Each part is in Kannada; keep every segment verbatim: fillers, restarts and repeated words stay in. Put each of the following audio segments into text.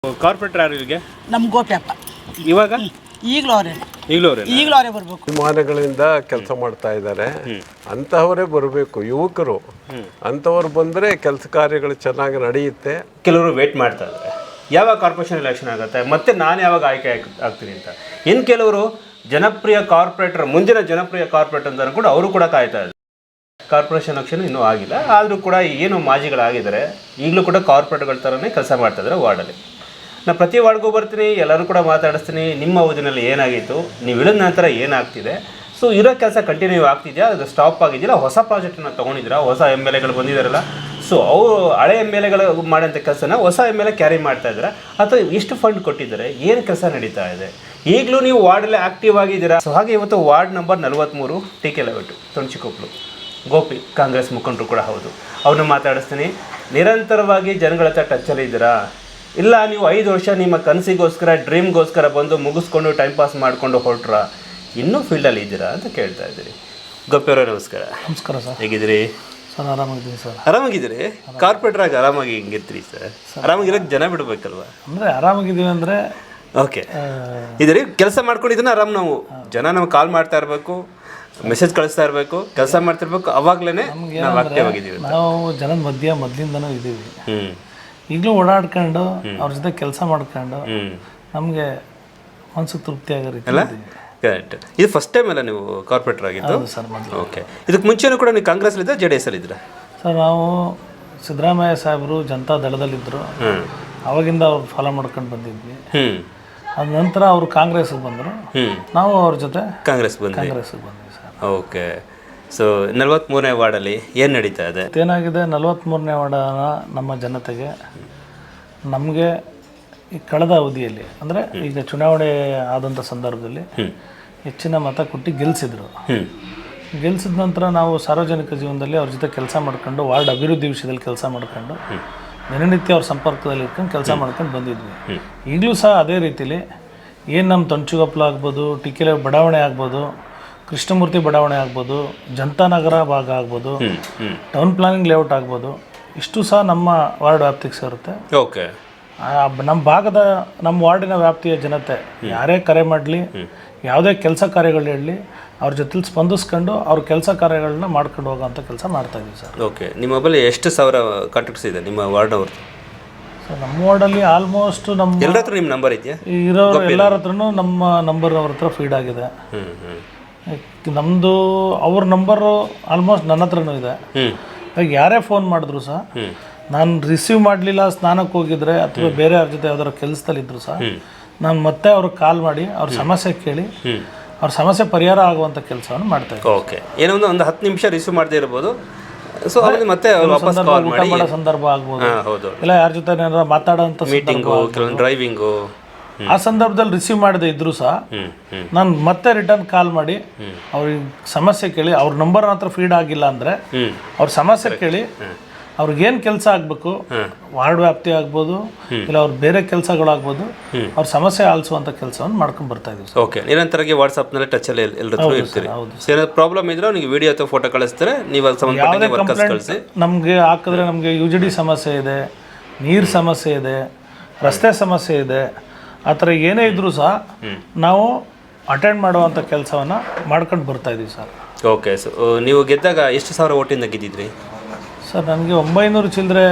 ಕಾರ್ಪೊರೇಟರ್ ಯಾರು ಇಲ್ಲಿಗೆ? ನಮ್ಮ ಗೋಪ್ಯಪ್ಪ ಇವಾಗ ಈಗಲೂ ಅವರೇ ಈಗಲೂ ಅವರೇ ಈಗಲೂ ಅವರೇ ಬರಬೇಕು. ವಿಮಾನಗಳಿಂದ ಕೆಲಸ ಮಾಡ್ತಾ ಇದ್ದಾರೆ, ಅಂತಹವರೇ ಬರಬೇಕು. ಯುವಕರು ಅಂಥವ್ರು ಬಂದರೆ ಕೆಲಸ ಕಾರ್ಯಗಳು ಚೆನ್ನಾಗಿ ನಡೆಯುತ್ತೆ. ಕೆಲವರು ವೇಟ್ ಮಾಡ್ತಾ ಇದ್ದಾರೆ ಯಾವಾಗ ಕಾರ್ಪೊರೇಷನ್ ಎಲೆಕ್ಷನ್ ಆಗುತ್ತೆ ಮತ್ತೆ ನಾನು ಯಾವಾಗ ಆಯ್ಕೆ ಆಗ್- ಆಗ್ತೀನಿ ಅಂತ. ಇನ್ನು ಕೆಲವರು ಜನಪ್ರಿಯ ಕಾರ್ಪೊರೇಟರ್, ಮುಂದಿನ ಜನಪ್ರಿಯ ಕಾರ್ಪೊರೇಟರ್ ಅಂತ ಕೂಡ ಅವರು ಕೂಡ ಕಾಯ್ತಾ ಇದ್ದಾರೆ. ಕಾರ್ಪೊರೇಷನ್ ಎಲೆಕ್ಷನ್ ಇನ್ನೂ ಆಗಿಲ್ಲ, ಆದರೂ ಕೂಡ ಏನು ಮಾಜಿಗಳಾಗಿದ್ದಾರೆ, ಈಗಲೂ ಕೂಡ ಕಾರ್ಪೊರೇಟ್ಗಳ ಥರನೇ ಕೆಲಸ ಮಾಡ್ತಾ ಇದ್ದಾರೆ ವಾರ್ಡಲ್ಲಿ. ನಾನು ಪ್ರತಿ ವಾರ್ಡ್ಗೂ ಬರ್ತೀನಿ, ಎಲ್ಲರೂ ಕೂಡ ಮಾತಾಡಿಸ್ತೀನಿ. ನಿಮ್ಮ ಅವಧಿನಲ್ಲಿ ಏನಾಗಿತ್ತು, ನೀವು ಇಳಿದ ನಂತರ ಏನಾಗ್ತಿದೆ, ಸೊ ಇರೋ ಕೆಲಸ ಕಂಟಿನ್ಯೂ ಆಗ್ತಿದೆಯಾ, ಅದು ಸ್ಟಾಪ್ ಆಗಿದೆಯಲ್ಲ, ಹೊಸ ಪ್ರಾಜೆಕ್ಟನ್ನು ತೊಗೊಂಡಿದ್ದೀರಾ, ಹೊಸ ಎಮ್ ಎಲ್ ಎಗಳು ಬಂದಿದ್ದಾರಲ್ಲ, ಸೊ ಅವರು ಹಳೆ ಎಮ್ ಎಲ್ ಎಗಳು ಮಾಡೋಂಥ ಕೆಲಸನ ಹೊಸ ಎಮ್ ಎಲ್ ಎ ಕ್ಯಾರಿ ಮಾಡ್ತಾ ಇದ್ದಾರೆ, ಅಥವಾ ಎಷ್ಟು ಫಂಡ್ ಕೊಟ್ಟಿದ್ದಾರೆ, ಏನು ಕೆಲಸ ನಡೀತಾ ಇದೆ, ಈಗಲೂ ನೀವು ವಾರ್ಡಲ್ಲಿ ಆ್ಯಕ್ಟಿವ್ ಆಗಿದ್ದೀರಾ. ಸೊ ಹಾಗೆ ಇವತ್ತು ವಾರ್ಡ್ ನಂಬರ್ ನಲ್ವತ್ತ್ಮೂರು ಟಿ ಕೆ ಲೆವೆಟು ತೊಣಚಿಕೊಪ್ಪಲು ಗೋಪಿ ಕಾಂಗ್ರೆಸ್ ಮುಖಂಡರು ಕೂಡ ಹೌದು, ಅವ್ರನ್ನ ಮಾತಾಡಿಸ್ತೀನಿ. ನಿರಂತರವಾಗಿ ಜನಗಳ ಹತ್ರ ಟಚ್ಚಲ್ಲಿ ಇದ್ದೀರಾ, ಇಲ್ಲ ನೀವು ಐದು ವರ್ಷ ನಿಮ್ಮ ಕನಸಿಗೋಸ್ಕರ ಡ್ರೀಮ್ಗೋಸ್ಕರ ಬಂದು ಮುಗಿಸ್ಕೊಂಡು ಟೈಮ್ ಪಾಸ್ ಮಾಡಿಕೊಂಡು ಹೊರಟ್ರ, ಇನ್ನೂ ಫೀಲ್ಡಲ್ಲಿ ಇದ್ದೀರಾ ಅಂತ ಕೇಳ್ತಾ ಇದ್ದೀರಿ. ಗೋಪಿಯವರೇ ನಮಸ್ಕಾರ. ನಮಸ್ಕಾರ ಸರ್. ಹೇಗಿದ್ದೀರಿ? Sir ಆರಾಮಾಗಿದ್ದೀನಿ sir. ಆರಾಮಾಗಿದ್ದೀರಿ? ಕಾರ್ಪೊರೇಟ್ರಾಗಿ ಆರಾಮಾಗಿ ಹಿಂಗಿರ್ತೀರಿ ಸರ್? ಆರಾಮಾಗಿರೋಕ್ಕೆ ಜನ ಬಿಡಬೇಕಲ್ವ? ಅಂದರೆ ಆರಾಮಾಗಿದ್ದೀವಿ ಅಂದರೆ ಓಕೆ ಇದರಿ ಕೆಲಸ ಮಾಡ್ಕೊಂಡಿದ್ದನ್ನ ಆರಾಮ್. ನಾವು ಜನ ನಮ್ಗೆ ಕಾಲ್ ಮಾಡ್ತಾ ಇರಬೇಕು, ಮೆಸೇಜ್ ಕಳಿಸ್ತಾ ಇರಬೇಕು, ಕೆಲಸ ಮಾಡ್ತಿರ್ಬೇಕು, ಅವಾಗಲೇ ನಾವು ಆಕ್ಟಿವ್ ಆಗಿದ್ದೀವಿ. ನಾವು ಜನದ ಮಧ್ಯ ಮೊದಲಿಂದನೂ ಇದ್ದೀವಿ. ಹ್ಞೂ ಈಗಲೂ ಓಡಾಡ್ಕೊಂಡು ಅವ್ರ ಜೊತೆ ಕೆಲಸ ಮಾಡ್ಕೊಂಡು ಹ್ಞೂ ನಮಗೆ ಮನಸ್ಸಿಗೆ ತೃಪ್ತಿ ಆಗೋ ರೀತಿ ಅಲ್ಲ? ಕರೆಕ್ಟ್. ಇದು ಫಸ್ಟ್ ಟೈಮ್ ಅಲ್ಲ ನೀವು ಕಾರ್ಪೊರೇಟರ್ ಆಗಿದ್ದು? ಸರ್ ಮೊದಲು. ಓಕೆ. ಇದಕ್ಕೆ ಮುಂಚೆನೂ ಕೂಡ ನೀವು ಕಾಂಗ್ರೆಸ್ಲಿದ್ದ ಜೆ ಡಿ ಎಸ್ ಅಲ್ಲಿದ್ರಾ? ಸರ್ ನಾವು ಸಿದ್ದರಾಮಯ್ಯ ಸಾಹೇಬರು ಜನತಾ ದಳದಲ್ಲಿದ್ದರು, ಹ್ಞೂ ಅವಾಗಿಂದ ಅವ್ರು ಫಾಲೋ ಮಾಡ್ಕೊಂಡು ಬಂದಿದ್ವಿ. ಹ್ಞೂ ಅದ ನಂತರ ಅವರು ಕಾಂಗ್ರೆಸ್ಗೆ ಬಂದರು, ಹ್ಞೂ ನಾವು ಅವ್ರ ಜೊತೆ ಕಾಂಗ್ರೆಸ್ ಬಂದ್ರಿ. ಕಾಂಗ್ರೆಸ್ಗೆ ಬಂದ್ವಿ ಸರ್. ಓಕೆ. ಸೊ ನಲ್ವತ್ತ್ಮೂರನೇ ವಾರ್ಡಲ್ಲಿ ಏನು ನಡೀತಾ ಇದೆ? ಏನಾಗಿದೆ, ನಲವತ್ತ್ಮೂರನೇ ವಾರ್ಡನ ನಮ್ಮ ಜನತೆಗೆ ನಮಗೆ ಈ ಕಳೆದ ಅವಧಿಯಲ್ಲಿ ಅಂದರೆ ಈಗ ಚುನಾವಣೆ ಆದಂಥ ಸಂದರ್ಭದಲ್ಲಿ ಹೆಚ್ಚಿನ ಮತ ಕೊಟ್ಟು ಗೆಲ್ಲಿಸಿದ್ರು. ಹ್ಞೂ ಗೆಲ್ಲಿಸಿದ ನಂತರ ನಾವು ಸಾರ್ವಜನಿಕ ಜೀವನದಲ್ಲಿ ಅವ್ರ ಜೊತೆ ಕೆಲಸ ಮಾಡ್ಕೊಂಡು ವಾರ್ಡ್ ಅಭಿವೃದ್ಧಿ ವಿಷಯದಲ್ಲಿ ಕೆಲಸ ಮಾಡ್ಕೊಂಡು ದಿನನಿತ್ಯ ಅವ್ರ ಸಂಪರ್ಕದಲ್ಲಿ ಇಟ್ಕೊಂಡು ಕೆಲಸ ಮಾಡ್ಕೊಂಡು ಬಂದಿದ್ವಿ. ಈಗಲೂ ಸಹ ಅದೇ ರೀತಿಲಿ ಏನು ನಮ್ಮ ತೊಣಚಿಕೊಪ್ಪಲು ಆಗ್ಬೋದು, ಟಿಕೆಲೆ ಬಡಾವಣೆ ಆಗ್ಬೋದು, ಕೃಷ್ಣಮೂರ್ತಿ ಬಡಾವಣೆ ಆಗ್ಬೋದು, ಜನತಾನಗರ ಭಾಗ ಆಗ್ಬೋದು, ಟೌನ್ ಪ್ಲಾನಿಂಗ್ ಲೇಔಟ್ ಆಗ್ಬೋದು, ಇಷ್ಟು ಸಹ ನಮ್ಮ ವಾರ್ಡ್ ವ್ಯಾಪ್ತಿಗೆ ಸೇರುತ್ತೆ. ಓಕೆ. ನಮ್ಮ ಭಾಗದ ನಮ್ಮ ವಾರ್ಡಿನ ವ್ಯಾಪ್ತಿಯ ಜನತೆ ಯಾರೇ ಕರೆ ಮಾಡಲಿ, ಯಾವುದೇ ಕೆಲಸ ಕಾರ್ಯಗಳು ಹೇಳಲಿ, ಅವ್ರ ಜೊತೆಲಿ ಸ್ಪಂದಿಸ್ಕೊಂಡು ಅವ್ರ ಕೆಲಸ ಕಾರ್ಯಗಳನ್ನ ಮಾಡ್ಕೊಂಡು ಹೋಗೋಂಥ ಕೆಲಸ ಮಾಡ್ತಾಯಿದ್ದೀವಿ ಸರ್. ಓಕೆ. ನಿಮ್ಮ ಮೊಬೈಲ್ ಎಷ್ಟು ಸಾವಿರ ಕಾಂಟ್ಯಾಕ್ಟ್ಸ್ ಇದೆ ನಿಮ್ಮ ವಾರ್ಡ್ನವ್ರದ್ದು? ಸರ್ ನಮ್ಮ ವಾರ್ಡಲ್ಲಿ ಆಲ್ಮೋಸ್ಟ್ ನಮ್ಮ ಎಲ್ಲರ ಹತ್ರ ನಿಮ್ಮ ನಂಬರ್ ಇದೆಯಾ? ಇರೋ ಎಲ್ಲರ ಹತ್ರನೂ ನಮ್ಮ ನಂಬರ್ ಅವ್ರ ಹತ್ರ ಫೀಡ್ ಆಗಿದೆ. ಹ್ಞೂ ಹ್ಞೂ ನಮ್ಮದು ಅವ್ರ ನಂಬರು ಆಲ್ಮೋಸ್ಟ್ ನನ್ನ ಹತ್ರನೂ ಇದೆ. ಹ್ಞೂ ಇವಾಗ ಯಾರೇ ಫೋನ್ ಮಾಡಿದ್ರು ಸಹ ನಾನು ರಿಸೀವ್ ಮಾಡಲಿಲ್ಲ, ಸ್ನಾನಕ್ಕೆ ಹೋಗಿದ್ರೆ ಅಥವಾ ಬೇರೆ ಅವ್ರ ಜೊತೆ ಯಾವ್ದಾರು ಕೆಲಸದಲ್ಲಿದ್ದರು ಸಹ ನಾನು ಮತ್ತೆ ಅವ್ರಿಗೆ ಕಾಲ್ ಮಾಡಿ ಅವ್ರ ಸಮಸ್ಯೆ ಕೇಳಿ ಅವ್ರ ಸಮಸ್ಯೆ ಪರಿಹಾರ ಆಗುವಂಥ ಕೆಲಸವನ್ನು ಮಾಡ್ತಾ ಇದ್ದೀನಿ. ಓಕೆ. ಏನೋ ಒಂದು ಒಂದು ಹತ್ತು ನಿಮಿಷ ರಿಸೀವ್ ಮಾಡದೇ ಇರ್ಬೋದು, ಸೊ ಅವ್ರಿಗೆ ಮತ್ತೆ ವಾಪಸ್ ಕಾಲ್ ಊಟ ಮಾಡಿ. ಮಾಡೋ ಸಂದರ್ಭ ಆಗ್ಬೋದು, ಹಾಂ ಹೌದು, ಇಲ್ಲ ಯಾರ ಜೊತೆ ಏನಾರ ಮಾತಾಡೋಂಥ ಮೀಟಿಂಗು, ಕೆಲವೊಂದು ಡ್ರೈವಿಂಗು, ಆ ಸಂದರ್ಭದಲ್ಲಿ ರಿಸೀವ್ ಮಾಡದೇ ಇದ್ರೂ ಸಹ ಹ್ಞೂ ಹ್ಞೂ ನಾನು ಮತ್ತೆ ರಿಟರ್ನ್ ಕಾಲ್ ಮಾಡಿ ಅವ್ರಿಗೆ ಸಮಸ್ಯೆ ಕೇಳಿ, ಅವ್ರ ನಂಬರ್ ಹತ್ರ ಫೀಡ್ ಆಗಿಲ್ಲ ಅಂದರೆ ಹ್ಞೂ ಅವ್ರ ಸಮಸ್ಯೆ ಕೇಳಿ ಅವ್ರಿಗೇನು ಕೆಲಸ ಆಗಬೇಕು, ವಾರ್ಡ್ ವ್ಯಾಪ್ತಿ ಆಗ್ಬೋದು, ಇಲ್ಲ ಅವ್ರ ಬೇರೆ ಕೆಲಸಗಳಾಗ್ಬೋದು, ಅವ್ರ ಸಮಸ್ಯೆ ಆಲಿಸುವಂಥ ಕೆಲಸವನ್ನು ಮಾಡ್ಕೊಂಡು ಬರ್ತಾ ಇದೀವಿ ಸರ್. ಓಕೆ. ನಿರಂತರವಾಗಿ ವಾಟ್ಸಪ್ನಲ್ಲಿ ಟಚಲ್ಲಿ ಎಲ್ಲರೂ ಇರ್ತೀರಿ. ಸೊ ಏನಾದ್ರು ಪ್ರಾಬ್ಲಮ್ ಇದ್ರೆ ಅವ್ನಿಗೆ ವಿಡಿಯೋ ಅಥವಾ ಫೋಟೋ ಕಳಿಸ್ತಾರೆ, ನೀವು ಅದು ಸಂಬಂಧಪಟ್ಟ ವರ್ಕರ್ಸ್ ಕಳಿಸಿ. ನಮಗೆ ಹಾಕಿದ್ರೆ ನಮಗೆ ಯು ಜಿ ಡಿ ಸಮಸ್ಯೆ ಇದೆ, ನೀರು ಸಮಸ್ಯೆ ಇದೆ, ರಸ್ತೆ ಸಮಸ್ಯೆ ಇದೆ, ಆ ಥರ ಏನೇ ಇದ್ದರೂ ಸಹ ನಾವು ಅಟೆಂಡ್ ಮಾಡುವಂಥ ಕೆಲಸವನ್ನು ಮಾಡ್ಕೊಂಡು ಬರ್ತಾ ಇದ್ದೀವಿ ಸರ್. ಓಕೆ. ಸೊ ನೀವು ಗೆದ್ದಾಗ ಎಷ್ಟು ಸಾವಿರ ಓಟಿಂದ ಗೆದ್ದಿದ್ರಿ? ಸರ್ ನನಗೆ ಒಂಬೈನೂರು ಚಿಲ್ಲರೆ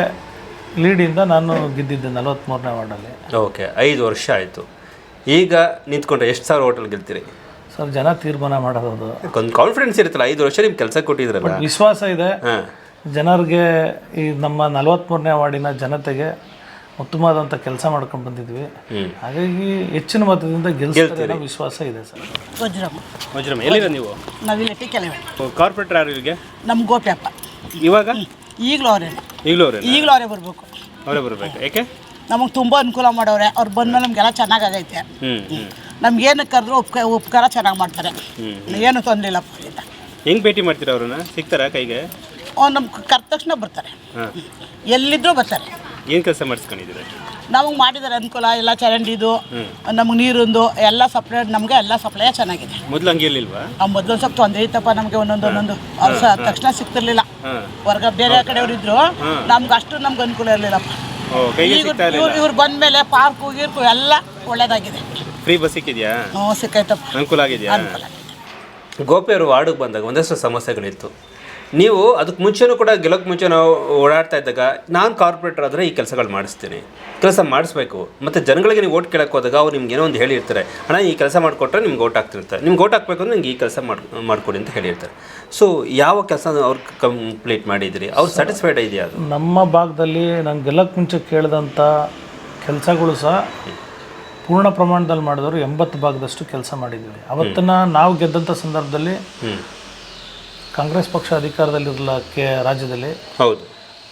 ಲೀಡಿಂದ ನಾನು ಗೆದ್ದಿದ್ದೆ ನಲವತ್ತ್ಮೂರನೇ ವಾರ್ಡಲ್ಲಿ. ಓಕೆ. ಐದು ವರ್ಷ ಆಯಿತು. ಈಗ ನಿಂತ್ಕೊಂಡ್ರೆ ಎಷ್ಟು ಸಾವಿರ ಓಟಲ್ಲಿ ಗೆಲ್ತೀರಿ? ಸರ್ ಜನ ತೀರ್ಮಾನ ಮಾಡೋದು, ಒಂದು ಕಾನ್ಫಿಡೆನ್ಸ್ ಇರುತ್ತಲ್ಲ, ಐದು ವರ್ಷ ನಿಮ್ಗೆ ಕೆಲಸ ಕೊಟ್ಟಿದ್ರಲ್ಲ, ವಿಶ್ವಾಸ ಇದೆ ಹಾಂ. ಜನರಿಗೆ. ಈ ನಮ್ಮ ನಲವತ್ತ್ಮೂರನೇ ವಾರ್ಡಿನ ಜನತೆಗೆ ಉತ್ತಮವಾದಂಥ ಕೆಲಸ ಮಾಡ್ಕೊಂಡು ಬಂದಿದ್ವಿ, ಹಾಗಾಗಿ ಹೆಚ್ಚಿನ ಮತದಿಂದ ಗೆಲ್ಸ್ತಾರೆ ವಿಶ್ವಾಸ ಇದೆ ಸರ್. ವಜ್ರಮ್ಮ ವಜ್ರಮ್ಮ ಎಲ್ಲಿರ ನೀವು? ನಾವಿಲ್ಲಿ ಟಿಕೆಲೆ ಕಾರ್ಪೊರೇಟರ್ ಯಾರು ಇಲ್ಲಿಗೆ? ನಮ್ಮ ಗೋಪ್ಯಪ್ಪ ಇವಾಗ ಈಗಲೂ ಅವರೇ ಈಗಲೂ ಅವರೇ ಈಗಲೂ ಅವರೇ ಬರಬೇಕು. ಅವರೇ ಬರಬೇಕು. ಯಾಕೆ? ನಮಗೆ ತುಂಬ ಅನುಕೂಲ ಮಾಡವ್ರೆ ಅವ್ರು ಬಂದಮೇಲೆ ನಮಗೆಲ್ಲ ಚೆನ್ನಾಗೈತೆ. ಹ್ಞೂ ಹ್ಞೂ ನಮ್ಗೇನು ಕರೆದ್ರು ಉಪ್ಕ ಉಪಕಾರ ಚೆನ್ನಾಗಿ ಮಾಡ್ತಾರೆ, ಏನು ತೊಂದರೆ ಇಲ್ಲ. ಅವರಿಂದ ಹೆಂಗೆ ಭೇಟಿ ಮಾಡ್ತೀರಾ ಅವ್ರನ್ನ? ಸಿಗ್ತಾರಾ ಕೈಗೆ? ಅವ್ರು ನಮ್ಗೆ ಕರೆದ ತಕ್ಷಣ ಬರ್ತಾರೆ, ಎಲ್ಲಿದ್ದರೂ ಬರ್ತಾರೆ. ಏನು ಕೆಲಸ ಮಾಡಿಸ್ಕೊಂಡಿದ್ದೀರಾ? ನಮಗೆ ಮಾಡಿದ್ದಾರೆ ಅನುಕೂಲ, ಎಲ್ಲ ಚರಂಡಿದು, ನಮಗೆ ನೀರಿಂದು ಎಲ್ಲ ಸಪ್ಲೈ, ನಮಗೆ ಎಲ್ಲ ಸಪ್ಲೈ ಚೆನ್ನಾಗಿದೆ. ಮೊದಲು ಹಂಗೆ ಇರಲಿಲ್ವಾ? ಆ ಮೊದಲು ಸ್ವಲ್ಪ ತೊಂದರೆ ಇತ್ತಪ್ಪ ನಮಗೆ, ಒಂದೊಂದು ಒಂದೊಂದು ಅವ್ರು ಸಹ ತಕ್ಷಣ ಸಿಗ್ತಿರ್ಲಿಲ್ಲ. ಹೊರಗ ಬೇರೆ ಕಡೆಯವರು ಇದ್ರು, ನಮ್ಗೆ ಅಷ್ಟು ನಮ್ಗೆ ಅನುಕೂಲ ಇರಲಿಲ್ಲಪ್ಪ. ಕೈಗೆ ಸಿಗ್ತಾ ಇವ್ರು ಇವ್ರು ಬಂದ್ಮೇಲೆ ಪಾರ್ಕು ಗೀರ್ಕು ಎಲ್ಲ ಒಳ್ಳೇದಾಗಿದೆ. Free bus ಸಿಕ್ಕಿದ್ಯಾ? ಹ್ಞೂ ಸಿಕ್ಕೈತಪ್ಪ, ಅನುಕೂಲ ಆಗಿದೆಯಾ? ಅನುಕೂಲ. ಗೋಪಿ ಅವರು ವಾರ್ಡಿಗೆ ಬಂದಾಗ ಒಂದಷ್ಟು ಸಮಸ್ಯೆಗಳಿತ್ತು. ನೀವು ಅದಕ್ಕೆ ಮುಂಚೆನೂ ಕೂಡ ಗೆಲ್ಲೋಕ್ಕೆ ಮುಂಚೆ ನಾವು ಓಡಾಡ್ತಾ ಇದ್ದಾಗ ನಾನು ಕಾರ್ಪೊರೇಟರ್ ಆದರೆ ಈ ಕೆಲಸಗಳು ಮಾಡಿಸ್ತೀನಿ, ಕೆಲಸ ಮಾಡಿಸ್ಬೇಕು. ಮತ್ತು ಜನಗಳಿಗೆ ನೀವು ಓಟ್ ಕೇಳಕ್ಕೆ ಹೋದಾಗ ಅವ್ರು ನಿಮ್ಗೆ ಏನೋ ಒಂದು ಹೇಳಿರ್ತಾರೆ, ಅಣ್ಣ ಈ ಕೆಲಸ ಮಾಡಿಕೊಟ್ರೆ ನಿಮ್ಗೆ ಓಟ್ ಹಾಕ್ತಿರ್ತಾರೆ, ನಿಮ್ಗೆ ಓಟ್ ಹಾಕಬೇಕು ಅಂದ್ರೆ ನಿಮ್ಗೆ ಈ ಕೆಲಸ ಮಾಡಿ ಮಾಡಿಕೊಡಿ ಅಂತ ಹೇಳಿರ್ತಾರೆ. ಸೊ ಯಾವ ಕೆಲಸ ಅವ್ರು ಕಂಪ್ಲೀಟ್ ಮಾಡಿದಿರಿ, ಅವ್ರು ಸ್ಯಾಟಿಸ್ಫೈಡ್ ಇದೆಯಾ? ಅದು ನಮ್ಮ ಭಾಗದಲ್ಲಿ ನಾನು ಗೆಲ್ಲಕ್ಕೆ ಮುಂಚೆ ಕೇಳಿದಂಥ ಕೆಲಸಗಳು ಸಹ ಪೂರ್ಣ ಪ್ರಮಾಣದಲ್ಲಿ ಮಾಡಿದವರು ಎಂಬತ್ತು ಭಾಗದಷ್ಟು ಕೆಲಸ ಮಾಡಿದ್ದೀವಿ. ಅವತ್ತನ್ನು ನಾವು ಗೆದ್ದಂಥ ಸಂದರ್ಭದಲ್ಲಿ ಕಾಂಗ್ರೆಸ್ ಪಕ್ಷ ಅಧಿಕಾರದಲ್ಲಿರಲ್ಲ ಕೆ ರಾಜ್ಯದಲ್ಲಿ. ಹೌದು.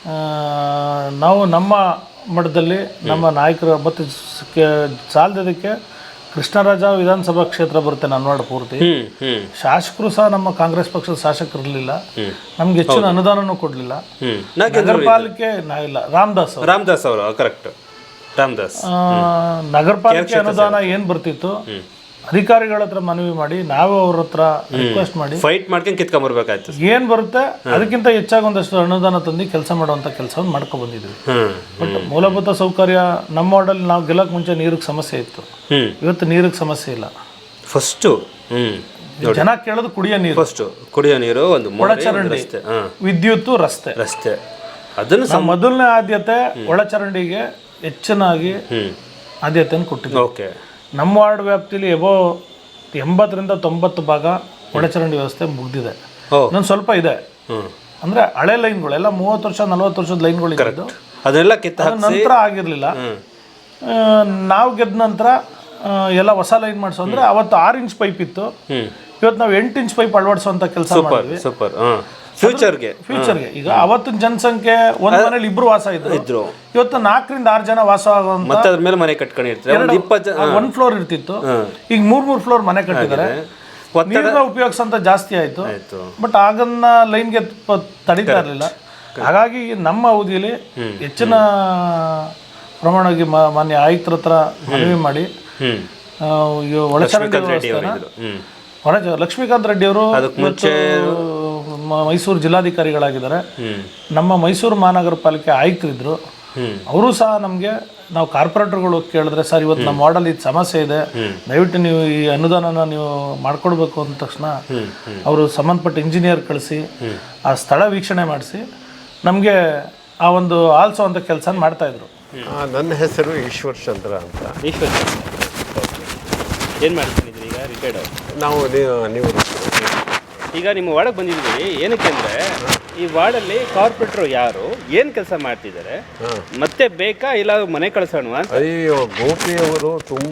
ನಾವು ನಮ್ಮ ಮಟ್ಟದಲ್ಲಿ ನಮ್ಮ ನಾಯಕರು ಮತ್ತು ಸಾಲದಕ್ಕೆ ಕೃಷ್ಣರಾಜ ವಿಧಾನಸಭಾ ಕ್ಷೇತ್ರ ಬರುತ್ತೆ ನನ್ನ ವಾರ್ಡ್ ಪೂರ್ತಿ. ಶಾಸಕರು ಸಹ ನಮ್ಮ ಕಾಂಗ್ರೆಸ್ ಪಕ್ಷದ ಶಾಸಕರು ಇರಲಿಲ್ಲ, ನಮ್ಗೆ ಹೆಚ್ಚಿನ ಅನುದಾನನೂ ಕೊಡಲಿಲ್ಲ. ನಗರ ಪಾಲಿಕೆ ನಾ ಇಲ್ಲ ರಾಮದಾಸ್ ರಾಮದಾಸ್ ಅವರು ಕರೆಕ್ಟ್ ರಾಮದಾಸ್ ನಗರ ಪಾಲಿಕೆ ಅನುದಾನ ಏನು ಬರ್ತಿತ್ತು ಅಧಿಕಾರಿಗಳ ಹತ್ರ ಮನವಿ ಮಾಡಿ ನಾವು ಅವ್ರ ಹತ್ರ ರಿಕ್ವೆಸ್ಟ್ ಮಾಡಿ ಫೈಟ್ ಮಾಡ್ಕೊಂಡು ಕಿತ್ಕೊಂಡ್ಬರ್ಬೇಕಾಯ್ತು. ಏನು ಬರುತ್ತೆ ಅದಕ್ಕಿಂತ ಹೆಚ್ಚಾಗಿ ಒಂದಷ್ಟು ಅನುದಾನ ತಂದು ಕೆಲಸ ಮಾಡುವಂಥ ಕೆಲಸವನ್ನು ಮಾಡ್ಕೊಂಡು ಬಂದಿದ್ವಿ. ಬಟ್ ಮೂಲಭೂತ ಸೌಕರ್ಯ ನಮ್ಮ ವಾರ್ಡಲ್ಲಿ ನಾವು ಗೆಲ್ಲಕ್ಕೆ ಮುಂಚೆ ನೀರಿಗೆ ಸಮಸ್ಯೆ ಇತ್ತು, ಇವತ್ತು ನೀರಿಗೆ ಸಮಸ್ಯೆ ಇಲ್ಲ. ಫಸ್ಟು ಜನ ಕೇಳೋದು ಕುಡಿಯೋ ನೀರು, ಫಸ್ಟು ಕುಡಿಯೋ ನೀರು, ಒಂದು ಒಳಚರಂಡಿ, ವಿದ್ಯುತ್, ರಸ್ತೆ ರಸ್ತೆ ಅದನ್ನು ಮೊದಲನೇ ಆದ್ಯತೆ ಒಳಚರಂಡಿಗೆ ಹೆಚ್ಚಿನಾಗಿ ಆದ್ಯತೆಯನ್ನು ಕೊಟ್ಟಿದ್ವಿ. ಓಕೆ. ನಮ್ಮ ವಾರ್ಡ್ ವ್ಯಾಪ್ತಿಯಲ್ಲಿ ಎಬೋ ಎಂಬತ್ತರಿಂದ ತೊಂಬತ್ತು ಭಾಗ ಒಳಚರಂಡಿ ವ್ಯವಸ್ಥೆ ಮುಗ್ದಿದೆ. ಇನ್ನೊಂದು ಸ್ವಲ್ಪ ಇದೆ, ಅಂದರೆ ಹಳೆ ಲೈನ್ಗಳು ಎಲ್ಲ ಮೂವತ್ತು ವರ್ಷ ನಲ್ವತ್ತು ವರ್ಷದ ಲೈನ್ಗಳು ಇದ್ದು ಅದೆಲ್ಲ ಕಿತ್ತ ನಂತರ ಆಗಿರಲಿಲ್ಲ. ನಾವು ಗೆದ್ದ ನಂತರ ಎಲ್ಲ ಹೊಸ ಲೈನ್ ಮಾಡಿಸೋ ಅಂದರೆ ಅವತ್ತು ಆರು ಇಂಚ್ ಪೈಪ್ ಇತ್ತು, ಇವತ್ತು ನಾವು ಎಂಟು ಇಂಚ್ ಪೈಪ್ ಅಳವಡಿಸುವಂಥ ಕೆಲಸ ಮಾಡಿದ್ವಿ. ಸೂಪರ್. ಫ್ಯೂಚರ್ಗೆ ಫ್ಯೂಚರ್ಗೆ ಈಗ ಅವತ್ತಿನ ಜನಸಂಖ್ಯೆ ಒಂದ್ ಮನೇಲಿ ಇಬ್ರು ವಾಸ ಇದ್ರು ಇದ್ರು ಇವತ್ತು ನಾಲ್ಕರಿಂದ ಆರು ಜನ ವಾಸ ಆಗುವಂತ, ಮತ್ತೆ ಅದ್ರ ಮೇಲೆ ಮನೆ ಕಟ್ಕೊಂಡಿರ್ತಾರೆ. ಒಂದ್ ಫ್ಲೋರ್ ಇರ್ತಿತ್ತು, ಈಗ ಮೂರ್ ಮೂರ್ ಫ್ಲೋರ್ ಮನೆ ಕಟ್ಟಿದ್ದಾರೆ. ನೀರನ್ನ ಉಪಯೋಗಿಸಂತ ಜಾಸ್ತಿ ಆಯ್ತು, ಬಟ್ ಆಗನ್ನ ಲೈನ್ಗೆ ತಡೀತಾ ಇರಲಿಲ್ಲ. ಹಾಗಾಗಿ ನಮ್ಮ ಅವಧಿಯಲ್ಲಿ ಹೆಚ್ಚಿನ ಪ್ರಮಾಣವಾಗಿ ಮಾನ್ಯ ಆಯುಕ್ತರ ಹತ್ರ ಮನವಿ ಮಾಡಿ ಒಳಚರಂಡಿ ವ್ಯವಸ್ಥೆನ ಹೊರ ಲಕ್ಷ್ಮೀಕಾಂತ್ ರೆಡ್ಡಿ ಅವರು ಮೈಸೂರು ಜಿಲ್ಲಾಧಿಕಾರಿಗಳಾಗಿದ್ದಾರೆ. ನಮ್ಮ ಮೈಸೂರು ಮಹಾನಗರ ಪಾಲಿಕೆ ಆಯುಕ್ತರಿದ್ದರು, ಅವರು ಸಹ ನಮಗೆ ನಾವು ಕಾರ್ಪೊರೇಟರ್ಗಳು ಕೇಳಿದ್ರೆ ಸರ್ ಇವತ್ತು ನಮ್ಮ ವಾರ್ಡಲ್ಲಿ ಇದು ಸಮಸ್ಯೆ ಇದೆ, ದಯವಿಟ್ಟು ನೀವು ಈ ಅನುದಾನನ ನೀವು ಮಾಡಿಕೊಡ್ಬೇಕು ಅಂದ ತಕ್ಷಣ ಅವರು ಸಂಬಂಧಪಟ್ಟ ಇಂಜಿನಿಯರ್ ಕಳಿಸಿ ಆ ಸ್ಥಳ ವೀಕ್ಷಣೆ ಮಾಡಿಸಿ ನಮಗೆ ಆ ಒಂದು ಆಲ್ಸೋ ಅಂತ ಕೆಲಸ ಮಾಡ್ತಾಯಿದ್ರು. ನನ್ನ ಹೆಸರು ಈಶ್ವರ್ ಚಂದ್ರ ಅಂತ. ಈಶ್ವರ್ ಏನು ಮಾಡ್ತಿದ್ದೀರಿ ಈಗ? ರಿಟೈರ್ಡ್. ನಾವು ನೀವು ಈಗ ನಿಮ್ಮ ವಾರ್ಡಿಗೆ ಬಂದಿದ್ದೀವಿ ಏನಕ್ಕೆ ಅಂದರೆ ಈ ವಾರ್ಡಲ್ಲಿ ಕಾರ್ಪೊರೇಟರ್ ಯಾರು, ಏನು ಕೆಲಸ ಮಾಡ್ತಿದ್ದಾರೆ, ಮತ್ತೆ ಬೇಕಾ ಇಲ್ಲ ಮನೆ ಕಳಿಸೋಣ ಅಂತ. ಅಯ್ಯೋ, ಗೋಪಿಯವರು ತುಂಬ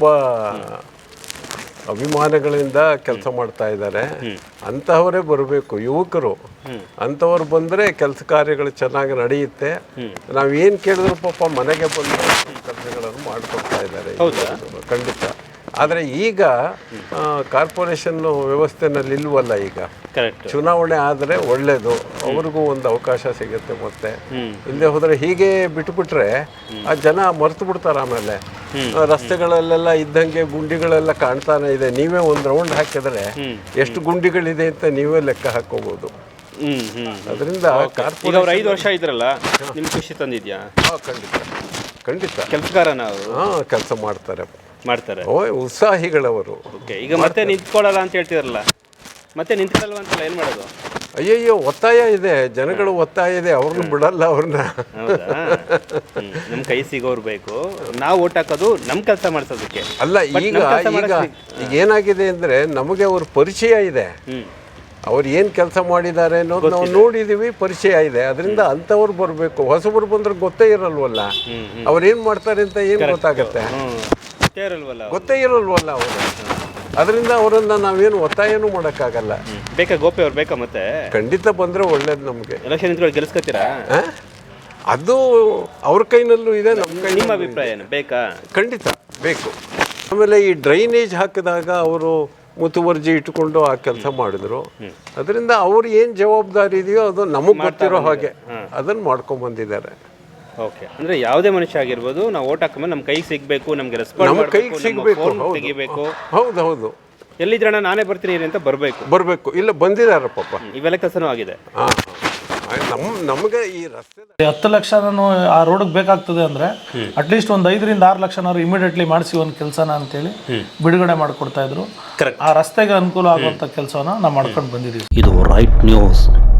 ಅಭಿಮಾನಗಳಿಂದ ಕೆಲಸ ಮಾಡ್ತಾ ಇದ್ದಾರೆ. ಅಂತಹವರೇ ಬರಬೇಕು, ಯುವಕರು ಅಂಥವ್ರು ಬಂದರೆ ಕೆಲಸ ಕಾರ್ಯಗಳು ಚೆನ್ನಾಗಿ ನಡೆಯುತ್ತೆ. ನಾವೇನು ಕೇಳಿದ್ರು ಪಾಪ ಮನೆಗೆ ಬಂದು ಕೆಲಸಗಳನ್ನು ಮಾಡಿಕೊಡ್ತಾ ಇದ್ದಾರೆ. ಖಂಡಿತ. ಆದರೆ ಈಗ ಕಾರ್ಪೊರೇಷನ್ ವ್ಯವಸ್ಥೆನಲ್ಲಿ ಇಲ್ವಲ್ಲ, ಈಗ ಚುನಾವಣೆ ಆದರೆ ಒಳ್ಳೆಯದು, ಅವ್ರಿಗೂ ಒಂದು ಅವಕಾಶ ಸಿಗುತ್ತೆ. ಮತ್ತೆ ಹಿಂದೆ ಹೋದರೆ ಹೀಗೆ ಬಿಟ್ಬಿಟ್ರೆ ಆ ಜನ ಮರೆತು ಬಿಡ್ತಾರೆ. ಆಮೇಲೆ ರಸ್ತೆಗಳಲ್ಲೆಲ್ಲ ಇದ್ದಂಗೆ ಗುಂಡಿಗಳೆಲ್ಲ ಕಾಣ್ತಾನೆ ಇದೆ. ನೀವೇ ಒಂದು ರೌಂಡ್ ಹಾಕಿದರೆ ಎಷ್ಟು ಗುಂಡಿಗಳಿದೆ ಅಂತ ನೀವೇ ಲೆಕ್ಕ ಹಾಕೋಬಹುದು. ಅದರಿಂದ ಕಾರ್ಪೊರೇಟ್ ಐದು ವರ್ಷ ಇದ್ರಲ್ಲ, ನಿಮ್ಗೆ ಖುಷಿ ತಂದಿದ್ಯಾ? ಹಾಂ, ಖಂಡಿತ ಖಂಡಿತ. ಕೆಲಸಗಾರನ ಅವರು ಹಾಂ, ಕೆಲಸ ಮಾಡ್ತಾರೆ ಮಾಡ್ತಾರೆ ಓ ಉತ್ಸಾಹಿಗಳವರು. ಓಕೆ. ಈಗ ಮತ್ತೆ ನಿಂತ್ಕೊಳ್ಳಲ್ಲ ಅಂತ ಹೇಳ್ತಿರಲ್ಲ, ಮತ್ತೆ ನಿಂತ್ಕೊಳ್ಳಲ್ವ ಅಂತಲ್ಲ, ಏನು ಮಾಡೋದು? ಅಯ್ಯಯ್ಯೋ, ಒತ್ತಾಯ ಇದೆ, ಜನಗಳು ಒತ್ತಾಯ ಇದೆ, ಅವ್ರನ್ನ ಬಿಡಲ್ಲ ಅವ್ರನ್ನ. ನಮ್ಮ ಕೈ ಸಿಗೋರು ಬೇಕು, ನಾವು ಓಟ್ ಹಾಕೋದು ನಮ್ಮ ಕೆಲಸ ಮಾಡಿಸೋದಕ್ಕೆ ಅಲ್ಲ. ಈಗ ಈಗ ಈಗ ಏನಾಗಿದೆ ಅಂದರೆ ನಮಗೆ ಅವ್ರ ಪರಿಚಯ ಇದೆ, ಅವ್ರು ಏನು ಕೆಲಸ ಮಾಡಿದ್ದಾರೆ ಅನ್ನೋದು ನಾವು ನೋಡಿದ್ದೀವಿ, ಪರಿಚಯ ಇದೆ. ಅದರಿಂದ ಅಂಥವ್ರು ಬರಬೇಕು. ಹೊಸಬರು ಬಂದ್ರೆ ಗೊತ್ತೇ ಇರಲ್ವಲ್ಲ, ಅವ್ರು ಏನು ಮಾಡ್ತಾರೆ ಅಂತ ಏನು ಗೊತ್ತಾಗತ್ತೆ? ಗೊತ್ತೇ ಇರಲ್ವಲ್ಲ ಅವರು. ಅದರಿಂದ ಅವರನ್ನು ನಾವೇನು ಒತ್ತಾಯನೂ ಮಾಡೋಕ್ಕಾಗಲ್ಲ. ಬೇಕಾ ಗೋಪಿ ಅವ್ರು ಬೇಕಾ? ಮತ್ತೆ ಖಂಡಿತ ಬಂದರೆ ಒಳ್ಳೇದು ನಮಗೆ. ಎಲೆಕ್ಷನ್ ನಿಂತ್ಕೊಂಡು ಗೆಲ್ಲಿಸ್ಕೊತೀರಾ? ಅದು ಅವ್ರ ಕೈನಲ್ಲೂ ಇದೆ, ನಮ್ಮ ಕೈ. ನಿಮ್ಮ ಅಭಿಪ್ರಾಯ ಏನು? ಬೇಕಾ? ಖಂಡಿತ ಬೇಕು. ಆಮೇಲೆ ಈ ಡ್ರೈನೇಜ್ ಹಾಕಿದಾಗ ಅವರು ಮುತುವರ್ಜಿ ಇಟ್ಕೊಂಡು ಆ ಕೆಲಸ ಮಾಡಿದ್ರು. ಅದರಿಂದ ಅವ್ರು ಏನು ಜವಾಬ್ದಾರಿ ಇದೆಯೋ ಅದು ನಮಗೆ ಗೊತ್ತಿರೋ ಹಾಗೆ ಅದನ್ನು ಮಾಡ್ಕೊಂಡು ಬಂದಿದ್ದಾರೆ. ಓಕೆ. ಅಂದರೆ ಯಾವುದೇ ಮನುಷ್ಯ ಆಗಿರ್ಬೋದು, ನಾವು ಓಟ್ ಹಾಕಿದ್ರೆ ನಮ್ಮ ಕೈಗೆ ಸಿಗಬೇಕು, ನಮಗೆ ರೆಸ್ಪಾನ್ಸ್ ನಮ್ಮ ಕೈಗೆ ಸಿಗಬೇಕು, ತೆಗಿಬೇಕು. ಹೌದು ಹೌದು. ಎಲ್ಲಿದ್ರಣ್ಣ ನಾನೇ ಬರ್ತೀನಿ ಅಂತ ಬರಬೇಕು ಬರಬೇಕು. ಇಲ್ಲ ಬಂದಿದ್ದಾರೆ ಪಾಪ, ಇವೆಲ್ಲ ಕೆಲಸನೂ ಆಗಿದೆ. ಹಾಂ. ನಮ್ಮ ನಮಗೆ ಈ ರಸ್ತೆ ಹತ್ತು ಲಕ್ಷ ನಾನು ಆ ರೋಡ್ಗೆ ಬೇಕಾಗ್ತದೆ ಅಂದರೆ ಅಟ್ಲೀಸ್ಟ್ ಒಂದು ಐದರಿಂದ ಆರು ಲಕ್ಷನಾದ್ರು ಇಮಿಡಿಯೇಟ್ಲಿ ಮಾಡಿಸಿ ಒಂದು ಕೆಲಸನ ಅಂತೇಳಿ ಬಿಡುಗಡೆ ಮಾಡಿಕೊಡ್ತಾ ಇದ್ರು. Correct. ಆ ರಸ್ತೆಗೆ ಅನುಕೂಲ ಆಗುವಂಥ ಕೆಲಸವನ್ನ ನಾವು ಮಾಡ್ಕೊಂಡು ಬಂದಿದ್ದೀವಿ. ಇದು ರೈಟ್ ನ್ಯೂಸ್.